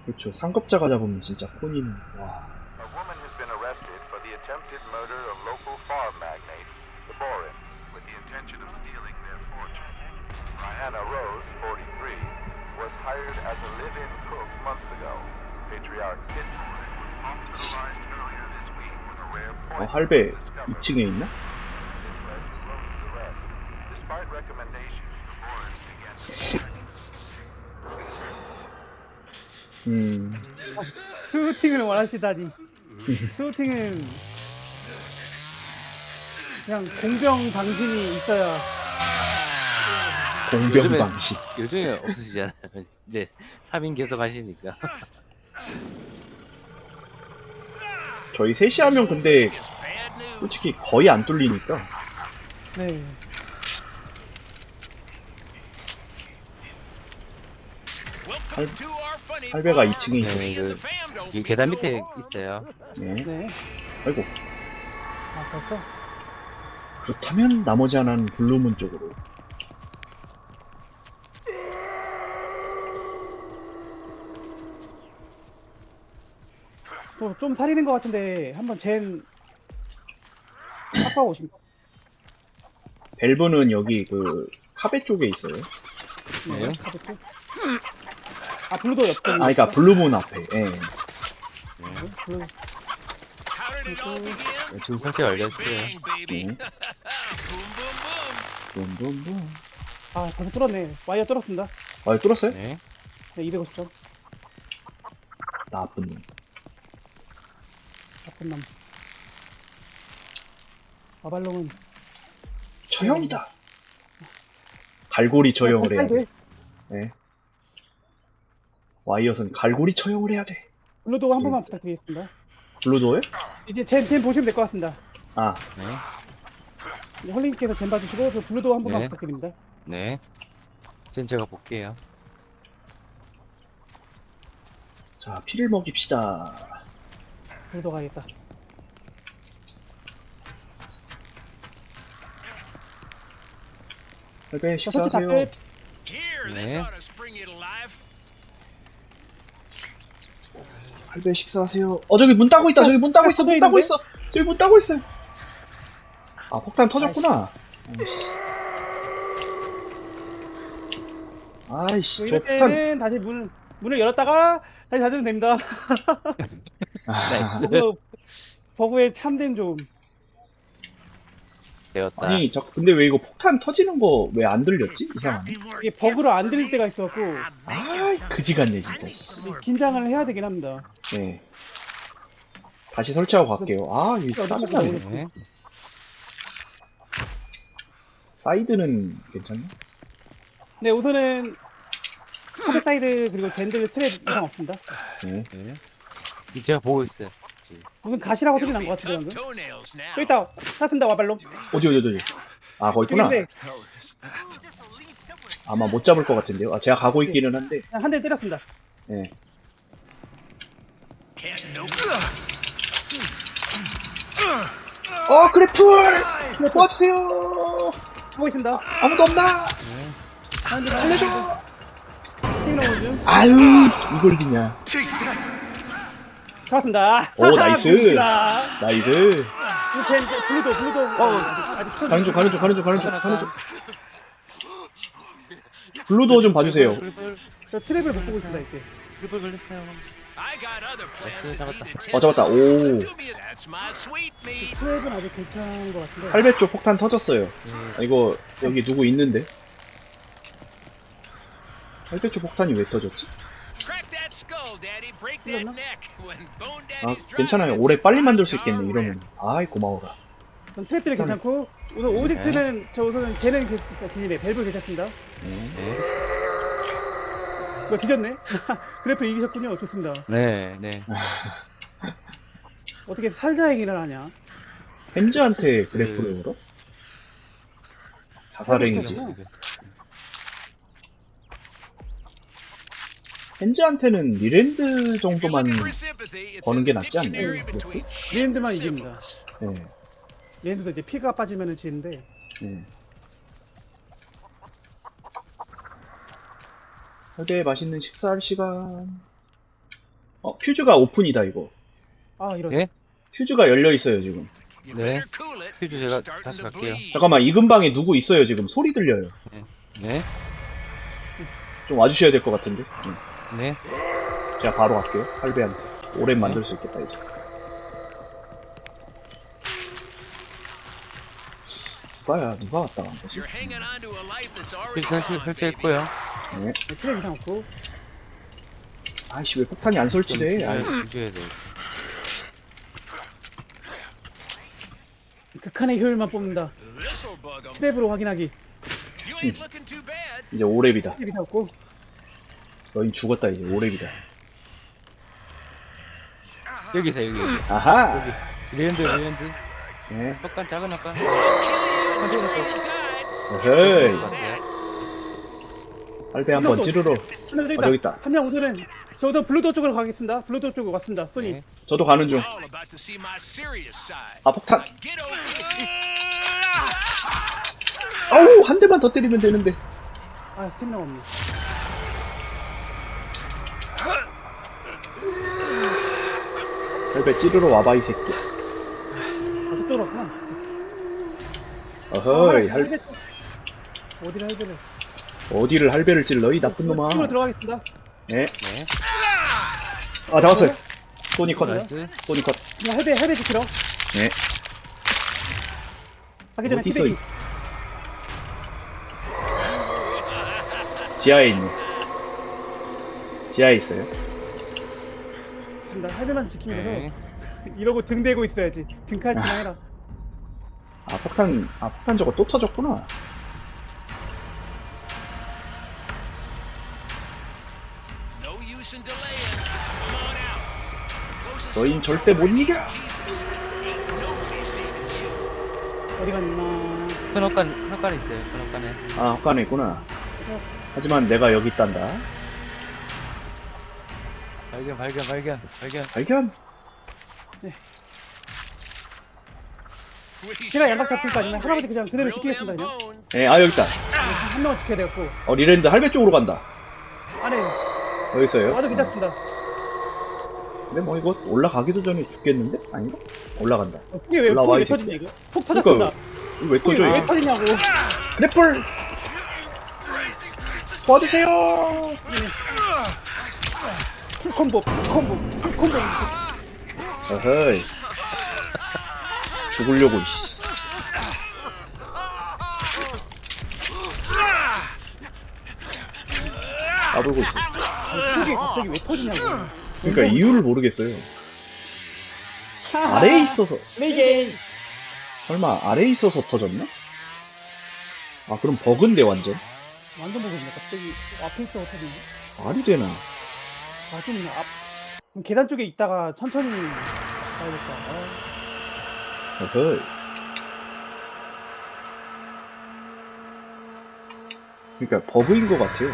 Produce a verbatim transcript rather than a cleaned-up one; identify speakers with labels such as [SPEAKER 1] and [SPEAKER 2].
[SPEAKER 1] 그렇죠. 상급자가 잡으면 진짜 폰이는 와.
[SPEAKER 2] A woman has been arrested for the attempted murder of local farm magnates, the Borins, with the intention of stealing their fortune. Diana Rose, forty-three, was hired as a live-in cook months ago. Patriarch Kit Borin was hospitalized earlier this week with a rare
[SPEAKER 1] 어,
[SPEAKER 2] poison
[SPEAKER 1] 할배
[SPEAKER 2] discovered.
[SPEAKER 1] 이 층에 있나?
[SPEAKER 2] This led to Rose's arrest. Despite recommendations, the Borins began to
[SPEAKER 1] 음.
[SPEAKER 3] 스우팅을 원하시다니. 스우팅은 그냥 공병 방심이 있어야.
[SPEAKER 1] 공병 방식.
[SPEAKER 4] 요즘에 없으시잖아요. 이제 삼 인 계속 하시니까.
[SPEAKER 1] 저희 셋이 하면 근데 솔직히 거의 안 뚫리니까.
[SPEAKER 3] 네.
[SPEAKER 1] 할, 할배가 이 층에 있어요.
[SPEAKER 4] 네, 그, 이 계단 밑에 있어요.
[SPEAKER 1] 네.
[SPEAKER 3] 네.
[SPEAKER 1] 아이고.
[SPEAKER 3] 아 벌써?
[SPEAKER 1] 그렇다면 나머지 하나는 블루문 쪽으로.
[SPEAKER 3] 뭐 좀 살리는 것 같은데 한번 젠 깎아 오십니까?
[SPEAKER 1] 밸브는 여기 그 카베 쪽에 있어요.
[SPEAKER 4] 네.
[SPEAKER 3] 가볍게. 아 블루도 옆에.
[SPEAKER 1] 아, 그러니까 블루문 앞에. 예.
[SPEAKER 3] 블루.
[SPEAKER 4] 네, 지금 설치 완료했어요.
[SPEAKER 1] 네. 붐붐붐.
[SPEAKER 3] 아 벌써 뚫었네. 와이어 뚫었습니다.
[SPEAKER 1] 아, 뚫었어요?
[SPEAKER 4] 네.
[SPEAKER 3] 네, 이백오십 점.
[SPEAKER 1] 나쁜 놈.
[SPEAKER 3] 나쁜 남. 아발롱은
[SPEAKER 1] 처형이다. 갈고리 처형을 해야 돼. 네. 와이엇은 갈고리 처형을 해야 돼.
[SPEAKER 3] 블루도 한 번만 부탁드리겠습니다.
[SPEAKER 1] 블루도어요?
[SPEAKER 3] 이제 젠, 젠 보시면 될 것 같습니다.
[SPEAKER 1] 아,
[SPEAKER 4] 네.
[SPEAKER 3] 이제 헐링님께서 젠 봐주시고 저 블루도 한 번만
[SPEAKER 4] 네.
[SPEAKER 3] 부탁드립니다.
[SPEAKER 4] 네. 이제 제가 볼게요.
[SPEAKER 1] 자, 피를 먹입시다.
[SPEAKER 3] 블루도 가야겠다.
[SPEAKER 1] 할배
[SPEAKER 3] 자, 설치 다
[SPEAKER 1] 식사하세요.
[SPEAKER 3] 끝.
[SPEAKER 4] 네.
[SPEAKER 1] 할배 식사하세요. 어, 저기 문 따고 있다. 저기 문 따고 있어. 문 따고 있어. 저기 문 따고 있어요. 아, 폭탄 터졌구나. 아이씨, 저
[SPEAKER 3] 이럴
[SPEAKER 1] 폭탄.
[SPEAKER 3] 때는 다시 문, 문을 열었다가 다시 닫으면 됩니다.
[SPEAKER 1] 아,
[SPEAKER 3] 버그, 버그의 참된 좀.
[SPEAKER 4] 되었다.
[SPEAKER 1] 아니, 저 근데 왜 이거 폭탄 터지는 거 왜 안 들렸지? 이상하네.
[SPEAKER 3] 이게 버그로 안 들릴 때가 있어갖고
[SPEAKER 1] 아이, 그지 같네, 진짜. 씨.
[SPEAKER 3] 긴장을 해야 되긴 합니다.
[SPEAKER 1] 네. 다시 설치하고 갈게요. 아, 이거 짜증나네.
[SPEAKER 4] 네.
[SPEAKER 1] 사이드는 괜찮네?
[SPEAKER 3] 네, 우선은 카드 사이드 그리고 젠들 트랩 이상 없습니다.
[SPEAKER 1] 네.
[SPEAKER 4] 네. 이제 제가 보고 있어요. 지금.
[SPEAKER 3] 무슨 가시라고 소리 난 것 같은데 방금. 여기 있다. 찾습니다 와발로.
[SPEAKER 1] 어디, 어디, 어디. 아, 거기 있구나.
[SPEAKER 3] 저기인데
[SPEAKER 1] 아마 못 잡을 것 같은데요. 아, 제가 가고 있기는 한데.
[SPEAKER 3] 한 대 때렸습니다.
[SPEAKER 1] 네. 어, 그래플! 도와주세요!
[SPEAKER 3] 하고 있습니다.
[SPEAKER 1] 아무도 없나?
[SPEAKER 3] 한 대
[SPEAKER 1] 살려줘!
[SPEAKER 3] 팀 나오는 중.
[SPEAKER 1] 아유, 이걸 지냐.
[SPEAKER 3] 잡았습니다.
[SPEAKER 1] 오, 나이스.
[SPEAKER 3] 봅시다.
[SPEAKER 1] 나이스.
[SPEAKER 3] 이거 젠, 젠, 블루도 블루도. 어, 아직 아직
[SPEAKER 1] 가는 중, 가는 중, 가는 중, 가는 중, 가는 중. 블루도어 좀 봐주세요.
[SPEAKER 4] 불불
[SPEAKER 3] 저 트랩을 못 보고 있습니다 이때.
[SPEAKER 4] 불불 걸렸어요. 나이스, 잡았다.
[SPEAKER 1] 어, 잡았다. 오.
[SPEAKER 3] 트랩은 아직 괜찮은 것 같은데.
[SPEAKER 1] 팔 배 쪽 폭탄 터졌어요. 아, 이거, 여기 누구 있는데? 팔 배 쪽 폭탄이 왜 터졌지? 아, 괜찮아요. 올해 빨리 만들 수 있겠네, 이러면. 아이, 고마워라.
[SPEAKER 3] 전 트랩들이 괜찮고 우선 오브젝트는 저 우선은 쟤는 괜찮습니다. 딜리네 밸브 괜찮습니다.
[SPEAKER 1] 네.
[SPEAKER 3] 이거 뒤졌네. 그래프 이기셨군요. 좋습니다.
[SPEAKER 4] 네, 네.
[SPEAKER 3] 어떻게 살자 얘기를 하냐?
[SPEAKER 1] 헨즈한테 그래프를 걸어? 자살행위지. 헨즈한테는 미랜드 정도만 버는 게 낫지 않나요? 그래프?
[SPEAKER 3] 리엔드만 이깁니다.
[SPEAKER 1] 네.
[SPEAKER 3] 리엔드도 이제 피가 빠지면은 지는데.
[SPEAKER 1] 네. 되게 맛있는 식사할 시간. 어, 퓨즈가 오픈이다, 이거.
[SPEAKER 3] 아 이런.
[SPEAKER 4] 예?
[SPEAKER 1] 퓨즈가 열려있어요, 지금.
[SPEAKER 4] 네. 퓨즈 제가 다시 갈게요.
[SPEAKER 1] 잠깐만, 이 근방에 누구 있어요, 지금. 소리 들려요.
[SPEAKER 4] 네.
[SPEAKER 1] 좀 와주셔야 될 것 같은데. 응.
[SPEAKER 4] 네.
[SPEAKER 1] 제가 바로 갈게요, 할배한테. 오랜 만들 수 있겠다, 이제. 누가야, 누가 왔다 간 거지?
[SPEAKER 4] 퓨즈 설치, 설치했고요.
[SPEAKER 1] 네.
[SPEAKER 3] 트랩 이상 없고.
[SPEAKER 1] 아이씨, 왜 폭탄이 안 설치돼? 아이,
[SPEAKER 4] 퓨즈해야 돼.
[SPEAKER 3] 극한의 효율만 뽑는다. 트랩으로 확인하기.
[SPEAKER 1] 이제 오랩이다.
[SPEAKER 3] 트랩 이상 없고.
[SPEAKER 1] 너희 죽었다, 이제 오랩이다.
[SPEAKER 4] 여기서 여기.
[SPEAKER 1] 아하!
[SPEAKER 4] 리랜드 리랜드.
[SPEAKER 1] 네.
[SPEAKER 4] 헛간 작은 헛간.
[SPEAKER 1] 어헤이.
[SPEAKER 4] 봤어요?
[SPEAKER 1] 할배 한번 찌르러.
[SPEAKER 3] 하나 더 있다.
[SPEAKER 1] 아, 저기 있다.
[SPEAKER 3] 한 명 우선은 저도 블루도 쪽으로 가겠습니다. 블루도 쪽으로 왔습니다. 소니.
[SPEAKER 4] 네.
[SPEAKER 1] 저도 가는 중. 아, 폭탄. 아우, 한 대만 더 때리면 되는데.
[SPEAKER 3] 아 스태미나 없네.
[SPEAKER 1] 할배 찌르러 와봐, 이 새끼.
[SPEAKER 3] 아 저쪽으로 왔구나.
[SPEAKER 1] 어허이,
[SPEAKER 3] 아,
[SPEAKER 1] 할,
[SPEAKER 3] 할배 쪽. 어디를 할배를?
[SPEAKER 1] 어디를 할배를 찔러, 이 나쁜 놈아.
[SPEAKER 3] 쪽으로 들어가겠습니다.
[SPEAKER 1] 네.
[SPEAKER 4] 네.
[SPEAKER 1] 아, 잡았어요. 소니 컷.
[SPEAKER 4] 나이스.
[SPEAKER 1] 소니 컷.
[SPEAKER 3] 그냥 할배 할배 지키러.
[SPEAKER 1] 네.
[SPEAKER 3] 가기 전에
[SPEAKER 1] 어디 있어,
[SPEAKER 3] 피백이.
[SPEAKER 1] 지하에 있네. 지하에 있어요.
[SPEAKER 3] 있습니다. 할배만 지키면 돼서
[SPEAKER 4] 네.
[SPEAKER 3] 이러고 등 대고 있어야지. 등칼치나
[SPEAKER 1] 아.
[SPEAKER 3] 해라.
[SPEAKER 1] 아, 폭탄, 아, 폭탄 저거 또 터졌구나. 너흰 절대 못 이겨!
[SPEAKER 3] 어디 갔나?
[SPEAKER 4] 큰 헛간 큰 헛간 있어요. 큰 헛간에.
[SPEAKER 1] 아, 헛간에 있구나.
[SPEAKER 3] 그래서
[SPEAKER 1] 하지만 내가 여기 있단다.
[SPEAKER 4] 발견 발견 발견 발견.
[SPEAKER 1] 발견!
[SPEAKER 3] 제가 양각 잡힐 거 아니면 할아버지 그냥 그대로 지키겠습니다. 그냥
[SPEAKER 1] 예, 아, 여기 있다.
[SPEAKER 3] 한 명은 지켜야 되겠고
[SPEAKER 1] 어, 리랜드 할배 쪽으로 간다.
[SPEAKER 3] 안에
[SPEAKER 1] 여기 있어요.
[SPEAKER 3] 와도 괜찮습니다.
[SPEAKER 1] 근데 뭐 이거 올라가기도 전에 죽겠는데? 아닌가? 올라간다.
[SPEAKER 3] 어, 그게 왜
[SPEAKER 1] 올라와,
[SPEAKER 3] 폭이
[SPEAKER 1] 이
[SPEAKER 3] 왜
[SPEAKER 1] 새끼.
[SPEAKER 3] 터지냐 이거? 폭 터졌습니다.
[SPEAKER 1] 이거 왜
[SPEAKER 3] 폭이
[SPEAKER 1] 터져,
[SPEAKER 3] 왜
[SPEAKER 1] 이거?
[SPEAKER 3] 터지냐고.
[SPEAKER 1] 랩불! 도와주세요!
[SPEAKER 3] 풀 콤보, 풀 콤보, 풀 콤보.
[SPEAKER 1] 어허이. 죽으려고, 이씨. 까불고 있어.
[SPEAKER 3] 폭이 갑자기 왜 터지냐고.
[SPEAKER 1] 그러니까 이유를 모르겠어요. 아래에 있어서,
[SPEAKER 3] 레이게임.
[SPEAKER 1] 설마 아래에 있어서 터졌나? 아, 그럼 버그인데, 완전?
[SPEAKER 3] 완전 보거든요. 갑자기 앞에 있다고 터지네.
[SPEAKER 1] 말이 되나?
[SPEAKER 3] 아, 좀 앞. 그럼 계단 쪽에 있다가 천천히 가야겠다. 아.
[SPEAKER 1] 어허이. 그러니까 버그인 것 같아요.